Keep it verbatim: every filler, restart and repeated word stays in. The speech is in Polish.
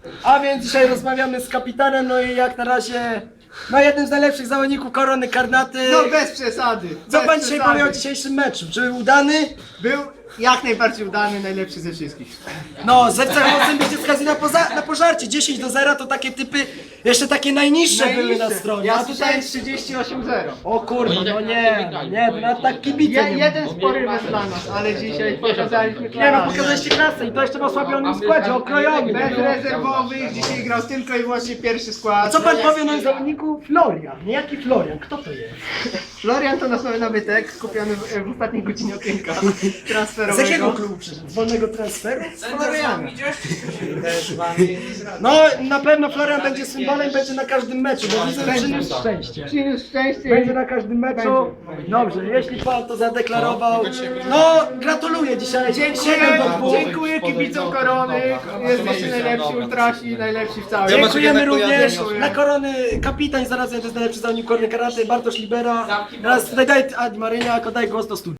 A więc dzisiaj rozmawiamy z kapitanem, no i jak na razie, no jednym z najlepszych zawodników Korony Karnaty. No bez przesady. Co bez pan dzisiaj przesady. powie o dzisiejszym meczu? Czy był udany? Był jak najbardziej udany, najlepszy ze wszystkich. No, z F C Chocem będzie skazany na, poza- na pożarcie. dziesięć do zera to takie typy, jeszcze takie najniższe, były na stronie. Ja A tutaj... słyszałem trzydzieści osiem zero. O kurwa, no nie, no nie, to nawet tak kibice Je, nie jeden spory mecz dla nas, ale dzisiaj pokazaliśmy Nie no, klasę. pokazaliście klasę i to jeszcze w osłabionym składzie, okrojonym. Bez rezerwowych, dzisiaj grał tylko i wyłącznie pierwszy skład. A co pan powie o nowym zawodniku? Florian. Niejaki Florian, kto to jest? Florian to nasz nowy nabytek, kupiony w, w ostatniej godzinie okienka Z transferowego. jakiego klubu przyszedł? Z wolnego transferu? Z Floriana. No, na pewno Florian będzie symbolem, będzie na każdym meczu, bo widzę, że przyniósł szczęście. Przyniósł szczęście. Będzie na każdym meczu. Dobrze, jeśli pan to zadeklarował, no gratuluję dzisiaj. Dziękuję, siedem do dwóch. dziękuję kibicom Korony. Jesteście najlepsi, ultrasi, najlepsi w całej. Dziękujemy również dla Korony kapitan, zarazem to jest najlepszy zawodnik Korony Karate, Bartosz Libera. Teraz tutaj daj, a Marynia, daj głos do studia.